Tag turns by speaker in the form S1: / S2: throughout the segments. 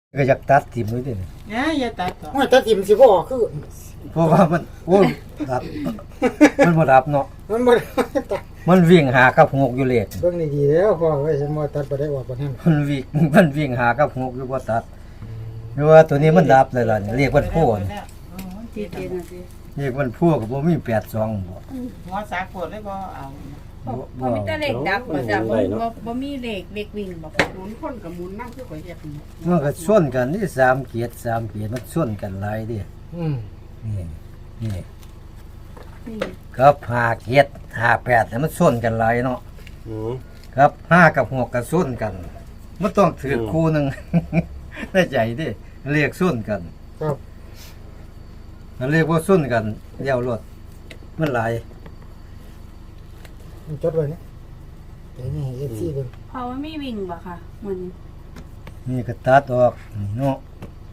S1: ก็อยากตัดทิ่มด้วยดิ
S2: อย่าตัดต่อ
S3: ไม่ตัดทิ่มสิบ่ออกคือ
S1: เพราะว่ามันโอ้ยดับมันบ่ดับเนาะ
S3: มันบ่ตัด
S1: มันวิ่งหากับหกอยู่เลข
S3: เบิ่งดีๆแล้วพ่อไว้ฉันบ่ตัดบ่ได้ออกบ่นั้น
S1: มันวิ่งหากับหกอยู่บ่ตัดหรือว่าตัวนี้มันดับเลยล่ะเนี่ยเรียกมันพูนี่
S2: ที่เจนสิ
S1: เรียกมันพูก็บ่มี82บ่
S2: หัวสากดเลยบ่เอา
S4: บ่มีแต่เลขดับบ่จ้ะบ่มีเลขวิ่งบ่ค่ะ
S2: หมุนคนกับหมุนนั่งคือข่อยเฮ็ดนี่
S1: มันก็ชนกันนี่3เกียรติมันชนกันหลายดิ นี่นี่
S4: นี่
S1: ครับ5เกียรติ58เนี่ยมันชนกันหลายเนาะ
S5: อืม
S1: ครับ5กับ6ก็ชนกันมันต้องถือคู่หนึง ในใจดิเรียกชนกัน
S3: ครับ
S1: มันเรียกว่าส้นกันเดี่ยวรถมันหลาย
S3: มันจดไว้นี่แต่นี่ FC เบิ่ง
S4: เพราะว่ามีวิ่งบ่ค่ะมัน
S1: นี่ก็ตัดออกนี่เนาะ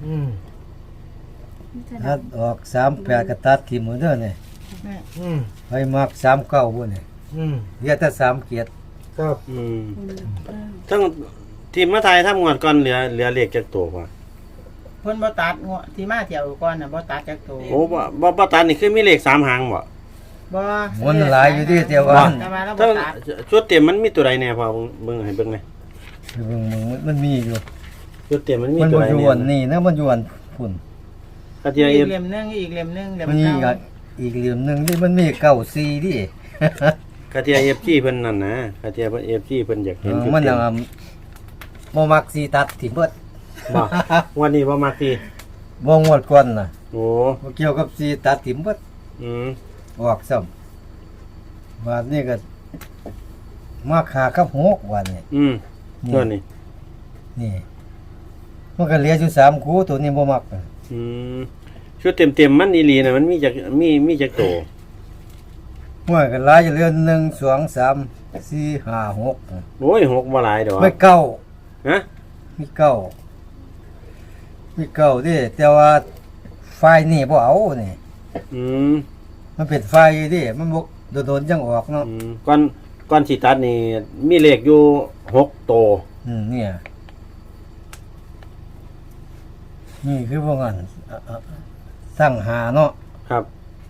S4: มันจะ
S1: ตั
S4: ดั
S1: ด
S4: บ
S1: ออก38ก็ตัดทิ่มหมดเด้อนี่
S3: อืม
S1: ไปมัก39พุ่นนี่
S3: อืม
S1: เหลือแต่3เกียรติ
S3: ครับ
S5: อืม
S4: เออ
S5: ทั้งทีมมาไทยทำงวดก่อนเหลือเลขจักตัวว่ะ
S2: เพิ่นบ่ตัดหัวที่มาเที่ยวก่อนน่ะบ่ตัดจักตัว
S5: โอ้บ่ตัดนี่คือมีเลข3หางบ่
S2: บ่
S1: มันหลายอยู่ดิแต่ว่า
S2: แต่ว่าเราบ่
S5: ทั้ง
S2: ตัด
S5: ชุดเต็มมันมีตัวใดแน่พอเบิ่งให้เบิ่งหน่อย
S1: มึงมันมีอยู่
S5: ชุดเต็มมันมี
S1: มัน
S5: ตัว
S1: บ่
S5: ใด
S1: อยู่
S5: แน่
S1: วันนี้นะมันอยู่วันพุ่น
S5: กระเทียม
S2: อี
S5: เอก ฟ
S2: เล่มนึงอีกเล่มนึงเล่ม
S1: มันมี
S2: เก่า
S1: อีกเหลี่ยมหนึงที่มันมี94ดิ
S5: กระเทียม FG เพิ่นนั่นนะกระเทียม FG เพิ่นอยากเห็นชุด
S1: มัน
S5: เต็ม
S1: บ่มักสิตัดทิ่มเบิด
S5: บ่วันนี้บ่มักที
S1: บ่งวดก่อนน่ะ
S5: โอ้
S1: บ่เกี่ยวกับสิตัดทิ่มเบิด
S5: อืม
S1: ออกซ้ำวันนี้ก็มาขากับหกวันนี้
S5: อืมตัวนี้
S1: นี่มันก็เหลืออยู่3คู่ตัวนี้บ่มักอะ
S5: อืมชุดเต็มมันอีหลีน่ะมันมีจักตัว
S1: มันก็หลายอยู่เหลือ1 2 3 4 5 6
S5: โอ้ย6บ่หลายดอก
S1: ไม่เก้า
S5: ฮะ
S1: มีเก้าดิแต่ว่าไฟนี่บ่เอานี่
S5: อืม
S1: มันเป็นไฟดิมันบ่โดนๆจังออกเนาะ
S5: อืมก่อนสิตัดนี่มีเลขอยู่6ตัว
S1: เนี่ยนี่คือพวกนั้นสร้างหาเนาะ
S5: ครับ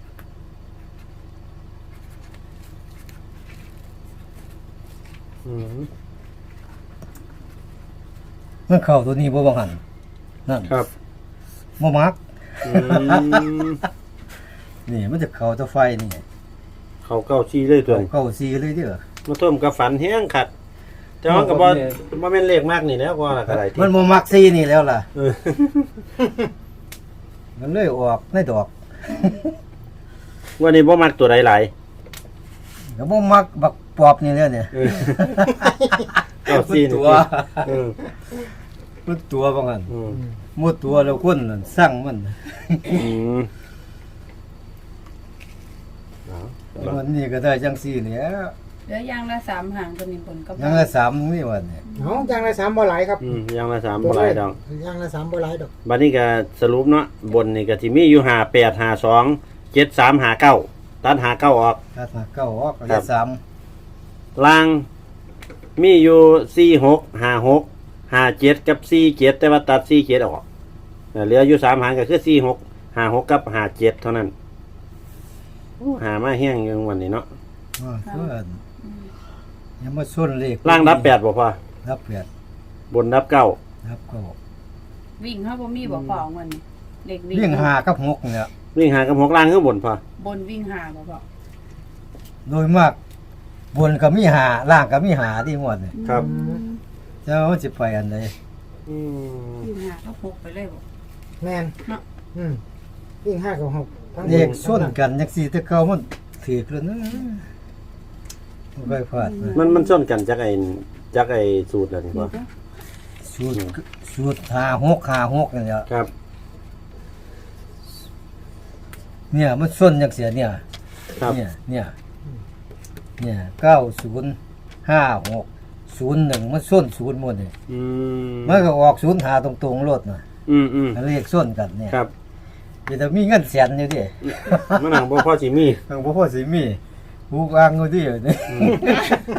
S5: อืม
S1: มันเข้าตัวนี้บ่ว่าหั่นนั่น
S5: ครับ
S1: บ่มัก
S5: อืม
S1: นี่มันจะเข้าตัวไฟนี่
S5: เขาเก้าชี้เลยตัวนี้
S1: เข้าสีเลยเด้อ
S5: มาต้มกับฝันแห้งขัด แต่ว่าก็บ่แม่นเลขมากนี่แล้วก็ละก็ได้ที่
S1: มันบ่มักสีนี่แล้วล่ะ
S5: เออ
S1: มันเลยออกในดอก
S5: วันนี้บ่มักตัวใดหลาย
S1: ก็บ่มักบักปอบนี่แล้วเนี่ย
S5: เออเก้าชี้นี่
S1: ตัว
S5: เออ
S1: มันตัวว่างั้น
S5: อืม
S1: หมดตัวแล้วคนนั่นสร้างมัน
S5: อืมเอา
S1: วันนี้ก็ได้จังซี่แหล้ว
S4: เหลืออย่างละ3หางตัวนี้ผลก็
S1: ยังละ3นี่วันนี้
S3: เนาะอย่างละ3บ่หลายครับ
S5: อืมอย่างละ3บ่หลายดอก
S3: อย่างละ3บ่หลายดอก
S5: บัดนี้ก็สรุปเนาะบนนี่ก็สิมีอยู่58 52 73 59ตัด59ออก
S1: ถ้าหาเก้าออกก็
S5: ครั
S1: ได้
S5: บ
S1: 3
S5: ล่างมีอยู่46 56 57กับ47แต่ว่าตัด47ออกเหลืออยู่3หางก็คือ46 56กับ57เท่านั้นโอ้หามาแห้งอยู่วันนี้เนาะ
S1: เพิ่นยังมาส่วนเลข
S5: ล่างรับ8บ่พอ
S1: รับแปด
S5: บนรับ9
S1: รับเก้า
S4: วิ่งเฮาบ่มีบ่พอมันนี่เลขวิ่ง
S1: วิ่งหากับ6เนี่ย
S5: วิ่งหากับ6ล่างข้างบนพอบ
S4: นวิ่งหาบ่พอ
S1: โดยมากบนก็มีหาล่างก็มีหาที่หมดนี่
S5: ครับ
S1: แต่ว่ามันสิไปอันใด
S5: อืม
S4: วิ่งหาก็พกไปเลยบ่
S3: แม่น
S4: เนาะ
S3: วิ่ง5กับ6ทั้ง
S1: เลขส่วนกันจังซี่แต่เก่ามันถือแล้วนะบ่ค่อยพลาดนะ
S5: มันส้นกันจากไอ้สูตรแล้วนี่บ่
S1: สูตร56นี่แหละ
S5: ครับ
S1: เนี่ยมันส่วนจังเสียเนี่ย
S5: ครับ
S1: เนี่ย905601มันส่วนศูนย์หมดนี่
S5: อืม
S1: มันก็ออกศูนย์หาตรงๆรถน่ะ
S5: อืม
S1: เลขส่วนกันเนี่ย
S5: ครับ
S1: เดี๋ยวมีเงินแสนอยู่ดิ
S5: มันหนังบ่พอสิมี
S1: ทางบ่พอสิมีฮูกอ้างอยู่ดินี่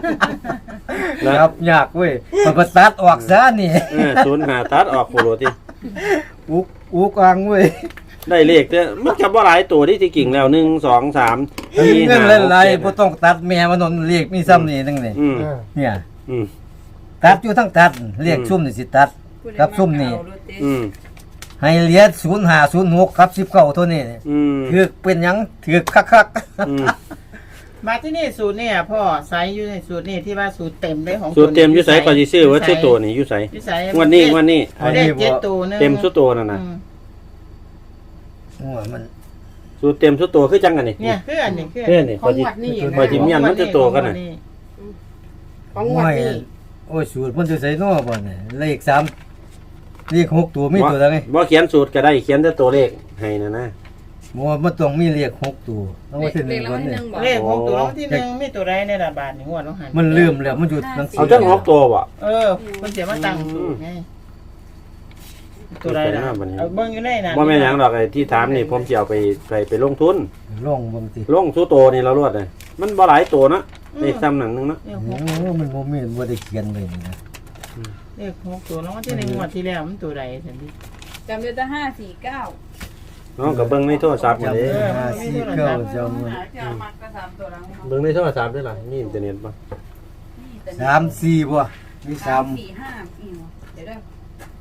S5: แล้ว
S1: ครับยากเว้ยมันก็ตัดออกซะนี่
S5: ศูนย์หาตัดออกโปโลติ
S1: อุกอังเว้ย
S5: ได้เลขเด้อมันก็บ่หลายตัวที่กิ่งแล้ว1 2 3
S1: มี
S5: 4
S1: เงิน
S5: 5
S1: หลาย
S5: 6
S1: ๆบ่ต้องตัดแม่มันนนเรียกมีซ้ำนี่นึงนี่
S5: อืม
S3: เออ
S1: เนี่ย
S5: อืม
S1: ตัดอยู่ทั้งตัดเรียกซุ่มนี่สิตัด ครับซุ่มนี่
S5: อืม
S1: ให้เหลีย0506ครับ19เท่านี้
S5: อืม
S1: ถือเป็นหยังถือคัก
S5: อืม
S2: มาที่นี่สูตรเนี่ยพ่อไซส์อยู่ในสูตรนี่ที่ว่าสูตรเต็มเลยของ
S5: สูตรเต็มอยู่ไสก็สิซื้อว่าซื้อตัวนี่อยู่ไส
S2: อยู่ไส
S5: งวันนี้
S2: เอาได้เจ็ดตัวหนึง
S5: เต็มสุดตัวนั่นน่ะ
S2: อืม
S1: ๆโอ้ยมัน
S5: สูตรเต็มสุดตัวคือจังกันนี่
S2: เนี่ยคืออันนี้คือ
S5: เพื่อนนี่
S4: ของวัดนี่
S5: พอจิเมียนมันจะตัวกันน่ะ
S4: ของวัดนี่
S1: โอ้ยสูตรมันจะใส่น้อบ่เนี่ยเลข3เลข6ตัวมีตัวใดไง
S5: บ่เขียนสูตรก็ได้เขียนแต่ตัวเลขให้นะ
S1: บ่มันต้องมีเลข6ตัวต้องว่าที่
S4: เลข
S1: 1
S4: แล้ว
S1: ก่อน
S4: ให้
S1: เนี่
S4: นึ
S1: ย
S4: งบอก
S2: เลขของตัวที่หนึ่งมีตัวใดในระบาดในงวดน้องหัน
S1: มันลืมแล้วมันอยู่หนังสื
S5: เอาจัง6ตัวบ่
S2: เออมันเสียมาตั้งสูตรไงตัวใดล่ะเอาเบิ่งอยู่ในนั้น
S5: บ่แม่นหยังดอกไอ้ที่ถามนี่ผมสิเอาไปลงทุน
S1: ลงบ่ติ
S5: ลงสู่โตนี่เรารวดเลยมันบ่หลายตัวนะเลขซ้ำหนังนึงเนาะ
S2: เลข
S1: โอ้
S2: หก
S1: มันบ่มีบ่ได้เขียนไว้นี่นะ
S2: เลขหกตัวน้องที่ในงวดที่แล้วมันตัวใดสันติ
S4: จำได้แต่549
S5: เนาะก็เบิ่งในโทรศัพท์นี่เด้
S1: 549จำ
S4: หาเจอมักก็3ตัวหลัง
S5: เบิ่งในโทรศัพท์ด้วยล่ะมีอินเทอร์เน็ตบ่
S1: 3 4บ่มี
S4: 3
S1: 3
S4: 4 5อีกเดี๋ยวเด้อ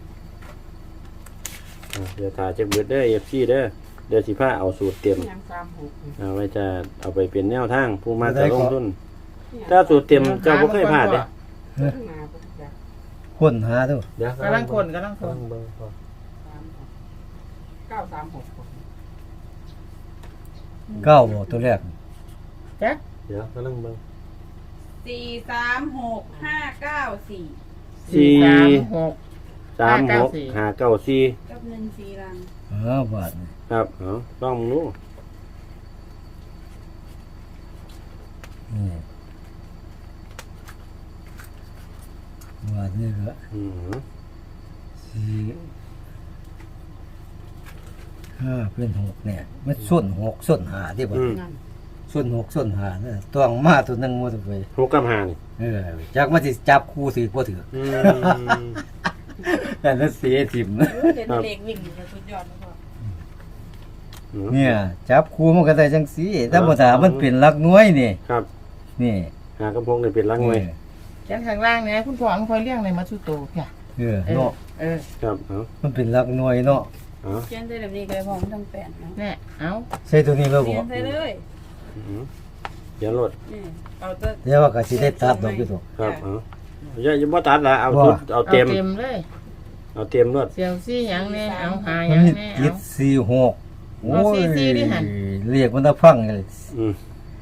S5: เดี๋ยวถ่ายจักเบิดเด้อ FC เด้อเดี๋ยวสิพาเอาสูตรเต็ม
S2: ยัง36
S5: เอาไว้จะเอาไปเป็นแนวทางผู้มาจะลงทุนถ้าสูตรเต็มเจ้าบ่เคยพลาดเด้
S1: ค้นหาดู
S5: เดี๋ยว
S2: กำลังคน
S5: เบิ่งพอ
S1: เก้าบ่ตัวแรก
S2: จัก
S5: เดี๋ยวกำลังเบิ่ง
S4: 4 3 6 5 9 4
S2: 436
S5: 36 594
S4: กับ1 4ลัง
S1: บาทนี่
S5: ครับเอาลองดู
S1: นี่บาทนี่ก็
S5: อืม
S1: 4 5เป็น6เนี่ยมันส้น6ส้น5ที่บ่
S5: อืม
S1: ส้น6ส้น5เนี่ยต้องมาตัวหนึงหมดไป
S5: หกกับห้านี่
S1: จักมันสิจับคู่สิบ่ถือ
S5: อืม
S1: แต่นั้นเสียถิ่ม
S4: เด็ดเล็กวิ่งอยู่สุดยอดแล้วพ่อ
S1: เนี่ยจับคู่มันก็ได้จังซี่ธรรมดามันเป็นหลักหน่วยนี่
S5: ครับ
S1: นี่
S5: หากระพงนี่เป็นลังไว้
S2: จักข้างล่างเนี่ยคุณพ่อมันคอยเลี้ยงในมัตสุโตค่ะ
S1: เนาะ
S2: เออ
S5: ครับเอา
S1: มันเป็นหลักหน่วยเนาะ
S5: เอา
S4: เขียนได้แบบนี้ก็ได้พ่อมันต้องแปดเนาะ
S2: แน่เอา
S1: ใส่ตัวนี้แล้ว
S4: เขี
S1: บ่
S4: ยนใส่เลย
S5: อืมเดี๋ยวรถ
S4: นี่เอาแต่
S1: เดี๋ยวว่าก็สิได้ตัดดอกอยู่ตัว
S5: ครับเอาอย่าบ่ตัดละเอา
S1: ว่า
S5: ชุดเอาเต็ม
S2: เลย
S5: เอาเต็มรถ
S2: เสียวซี่หยังแน่เอาหาห
S1: มั
S2: ยั
S1: น
S2: ง
S1: มี
S2: แน่
S1: ติ
S2: เอา
S1: ด46โอ้ย
S2: เอา44ดิหั่น
S1: เรียกมันตะพังเลย
S5: อืม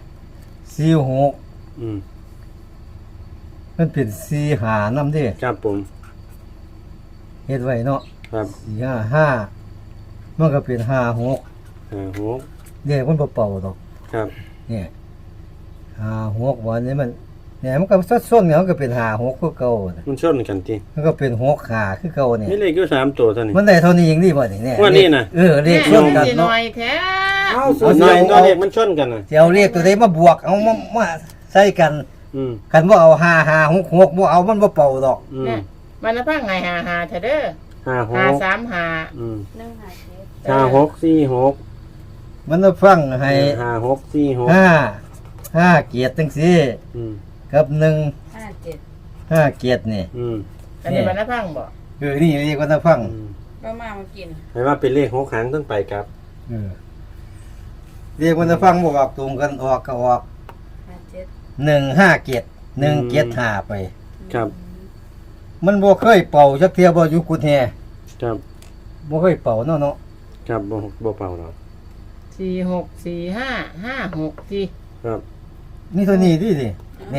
S1: 46
S5: อืม
S1: มันเป็น45นำเด้
S5: ครับผม
S1: เฮ็ดไว้เนาะ
S5: ครับ
S1: 455มันก็เป็น56
S5: หก
S1: เรียกมันบ่เป่าดอก
S5: ครับ
S1: เนี่ย56วันนี้มันเนี่ยมันก็ส้นๆเนี่ยมันก็เป็น56คือเก่าน่ะ
S5: มันชนกันติ
S1: มันก็เป็น65คือเก่าเนี่ย
S5: มีเลขอยู่3ตัวเท่านี้
S1: มันได้เท่านี้เองนี่บ่นี่เนี่ย
S5: ว่านี่น่ะ
S1: เลข
S2: แน่
S1: ส้นกัน
S2: สิห
S1: เนาะ
S2: น่อยแท้
S3: เอาสู
S5: เอา
S3: ตร
S5: หน่อย
S1: เอา
S5: เลขมันชนกันน่ะ
S1: สิเอาเลขตัวใดมาบวกเอามาใส่กัน
S5: อืม
S1: กันบ่เอา5566บ่เอามันบ่เป่าดอก
S5: อืม
S2: เนี่ยมันน่ะพังไงหาเถอะเด้อ
S5: 5
S2: หา
S5: 6
S2: 3หา
S5: อืม
S4: 1 5 7
S5: 5 6 4 6
S1: มันจะฟังให้
S5: 5 6 4 6
S1: 5เกียรติจังซี่
S5: อืม
S1: กับ
S4: 5 7
S1: 5เกียรตินี่
S5: อืม
S2: อันนี้มันน่ะพังบ่
S1: นี่เรียกว่าจะฟัง
S5: อืม
S4: ก็มากิน
S5: ให้ว่าเป็นเลข6หางต้องไปครับ
S1: เออเรียกว่าจะฟังบ่ออกตรงกันออกก็ออก
S4: 5 7
S1: 15เกียรติ1เกียรติ5ไป
S5: ครับ
S1: มันบ่เคยเป่าจักเที่ยบ่อยู่กุดแฮ
S5: ครับ
S1: บ่เคยเป่าเนาะ
S5: ครับบ่เป่าหรอก
S2: 46 45 56สิ
S5: ครับ
S1: นี่ตัวนี้ดิเนี่ย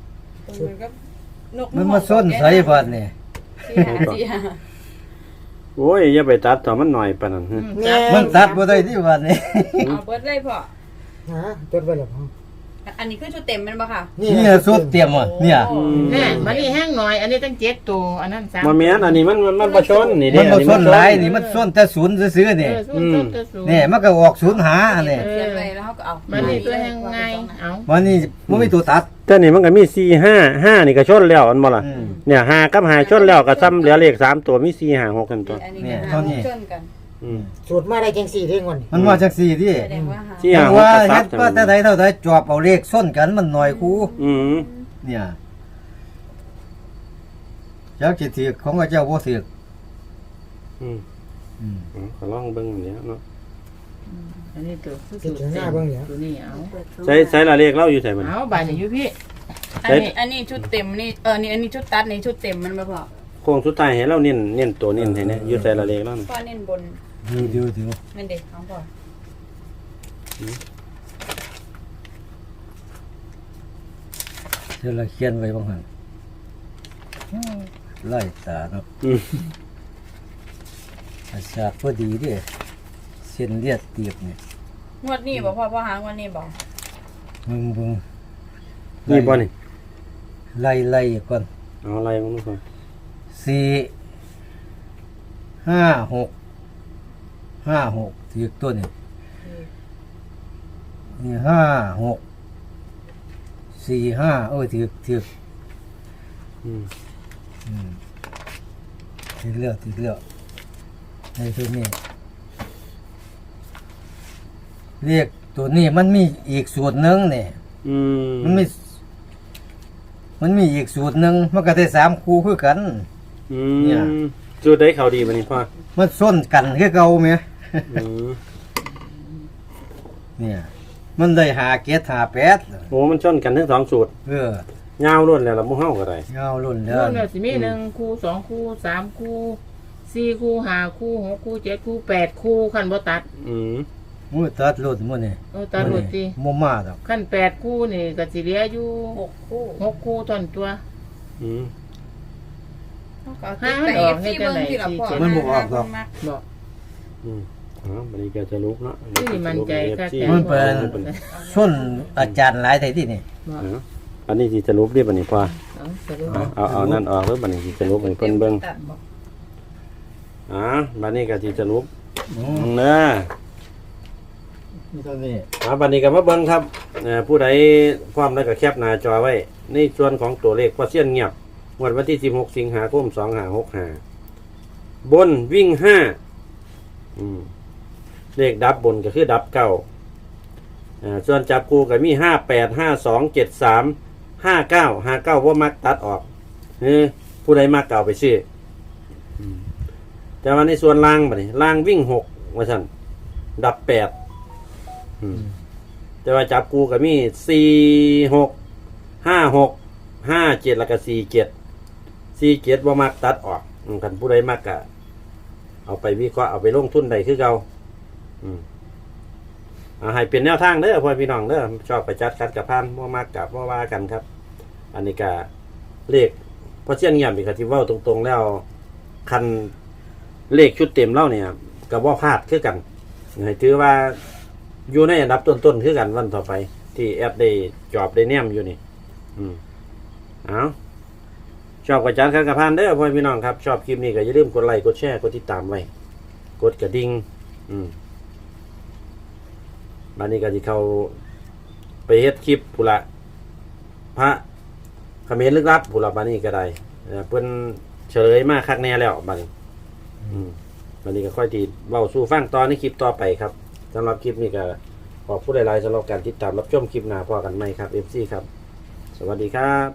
S1: มันมาส้นใส่บัดนี่
S5: โอ้ยอย่าไปตัดต่อมันหน่อยปานนั้นฮะ
S3: แน่
S1: มันตัดบ่ได้ที่บัดนี่
S4: เอาเบิดเลยพ่อ
S3: ฮะจดไว้แล้วพ่อ
S4: อันนี้คือชุดเต็มแม่นบ่ค่ะ
S1: เนี่ยสุดเตรียมอ่ะเนี่ย
S4: โอ้
S2: แน่มันนี่แห้งหน่อย อันนี้ตั้ง7ตัวอันนั้น3
S5: บ่แม่นอันนี้มันบ่ชนนี่เด้
S1: มันบ่
S5: อั
S1: ส้นหลายนี่มันส้นแต่ศูนย์ซื่อๆนี่ นี่มันก็ออกศูนย์หาอันนี้
S4: เขียนไว้แล้วเขาก็เอา
S2: มันนี่ตัวแห้งไงเอา
S1: วันนี้บ่มีตัวตัด
S5: แต่นี่มันก็มี4 5 5นี่ก็ชนแล้วอันบ่ล่ะ
S1: อืม
S5: เนี่ย5กับ5ชนแล้วก็ซ้ำเหลือเลข3ตัวมี4 5 6กันตัว
S4: อันนี้
S1: เนี่ย
S4: ก็
S1: เท่านี้
S4: ชนกัน
S5: อืม
S3: สูตรมาได้จัง4เท่งวัน
S1: มันว่าจังซี่ที่
S4: แสดงว่าหา
S5: สี่
S1: แต่
S5: ห้าหก
S1: ว่า
S5: ก็ซั
S1: เฮ็
S5: บ
S1: ดว่าแต่ใดเท่าใดจอบเอาเลขส้นกันมันน้อยคู
S5: อืม
S1: เนี่ยเจ้าสิถือของเจ้าบ่ถือ
S5: อืม
S1: อืม
S5: ก็ลองเบิ่งอันนี้เนาะ
S2: อันนี้ตัว
S3: ติดถึงหน้าเบิ่งเนี่ย
S2: ตัวนี้เอา
S5: ใช้ละเลขเราอยู่ไสมัน
S2: เอาบานนี่อยู่พี่
S4: อันนี้ชุดเต็มนี่นี่อันนี้ชุดตัดนี่ชุดเต็มมันบ่พอ
S5: โค้งสุดท้ายให้เราเน้นตัวเน้นให้เนี่ยอยู่ใส่ละเลขแล้วนะ
S4: พ่อเน้นบน
S1: ดู
S4: แม่นเด็กของพ่อ
S1: เดี๋ยวเราเขียนไว้บางหั่นไล่ตาเนาะ
S5: อืม
S1: อาชาพอดีเด้เส้นเลือดตีบนี่
S4: งวดนี้บ่พ่อหางวดนี้บ่
S1: มึง
S5: นี่บ่นี่
S1: ไล่ก่อน
S5: เอาอะไรมันก่อน
S1: 4 5 6ถือตัวนี่นี่5 6 4 5ถือ
S5: อืม
S1: ถือเลือกในตัวนี้เรียกตัวนี้มันมีอีกสูตรหนึงนี่
S5: อืม
S1: มันมีอีกสูตรหนึงมันก็ได้3คู่คือกัน
S5: อืม
S1: เนี่ย
S5: สูตรได้เขาดีบ่นี่พ่อ
S1: มันส้นกันคือเก่าไหม
S5: อืม
S1: เนี่ย มันได้5 7 5 8
S5: โอ้มันชนกันทั้งสองสูตร ยาวล้วนแล้วล่ะหมู่เฮาก็ได้
S1: เงาลุ่นแล้
S2: ร
S1: ว
S2: วมแล้วสิมี1คู่2คู่3คู่4คู่5คู่6คู่7คู่8คู่คันบ่ตัด
S5: อืม
S1: มือตัดลุ่นมือนี่
S2: ตัดหมดสิ
S1: บ่มาดอก
S2: คัน8คู่นี่ก็สิเหลืออยู่
S4: 6คู่
S2: 6คู่ตอนตัว
S5: อืม
S4: เขาก็เอาติดไป FC เบิ่งที่ละพ่อ
S1: มันบ่ออกดอก
S2: บอก
S5: อืมอ๋อบัดนี้ก็จะลุกเนาะ
S2: นี่มันใจก็แต่
S1: มันเป็นส้นอาจารย์หลายไทที่นี่
S2: บอก
S5: อ๋ออันนี้สิจะลุกดิบัดนี้พ่อ
S2: เอาสรุป
S5: เอานั่นออกแล้วบัดนี้สิจะลุกให้เพิ่นเบิ่ง
S4: ตัดบ่
S5: อ๋อบัดนี้ก็สิจะลุก
S1: อืม
S5: เด้อ
S1: นี่ตัวนี้
S5: บัดนี้ก็มาเบิ่งครับผู้ใดพร้อมแล้วก็แคปหน้าจอไว้ ในส่วนของตัวเลขพอเสี้ยนเงียบงวดวันที่16สิงหาคม2565บนวิ่ง5เลขดับบนก็คือดับเก้าส่วนจับคู่ก็มี58 52 73 59ว่ามักตัดออกผู้ใดมักเก่าไปซื้อแต่ว่าในส่วนล่างบัดนี้ล่างวิ่ง6ว่าซั่นดับ8แต่ว่าจับคู่ก็มี46 56 57แล้วก็47ว่ามักตัดออกคันผู้ใดมักก็เอาไปวิเคราะห์เอาไปลงทุนได้คือเก่าให้เป็นแนวทางเด้อพ่อพี่น้องเด้อชอบไปจัดคัดกับพานบ่มักกับบ่ว่ากันครับ อันนี้ก็เลขพอเชี่ยนเงียบอีกครับที่เว้าตรงๆแล้วคันเลขชุดเต็มเล่าเนี่ยก็บ่พลาดคือกันให้ถือว่าอยู่ในอันดับต้นๆคือกันวันต่อไป ที่แอปได้จอบได้แนมอยู่นี่เอาชอบกระจายคัดกับพานเด้อพ่อพี่น้องครับชอบคลิปนี้ก็อย่าลืมกดไลค์กดแชร์กดติดตามไว้กดกระดิ่งบัดนี้ก็สิเข้าไปเฮ็ดคลิปพุนละพระเขมรลึกลับพุนละบัดนี้ก็ได้เพิ่นเฉลยมาคักแน่แล้วบัดนี้บัดนี้ก็ค่อยที่เว้าสู่ฟังตอนในคลิปต่อไปครับสำหรับคลิปนี้ก็ขอบคุณหลายๆสำหรับการติดตามรับชมคลิปหน้าพอกันใหม่ครับ FC ครับสวัสดีครับ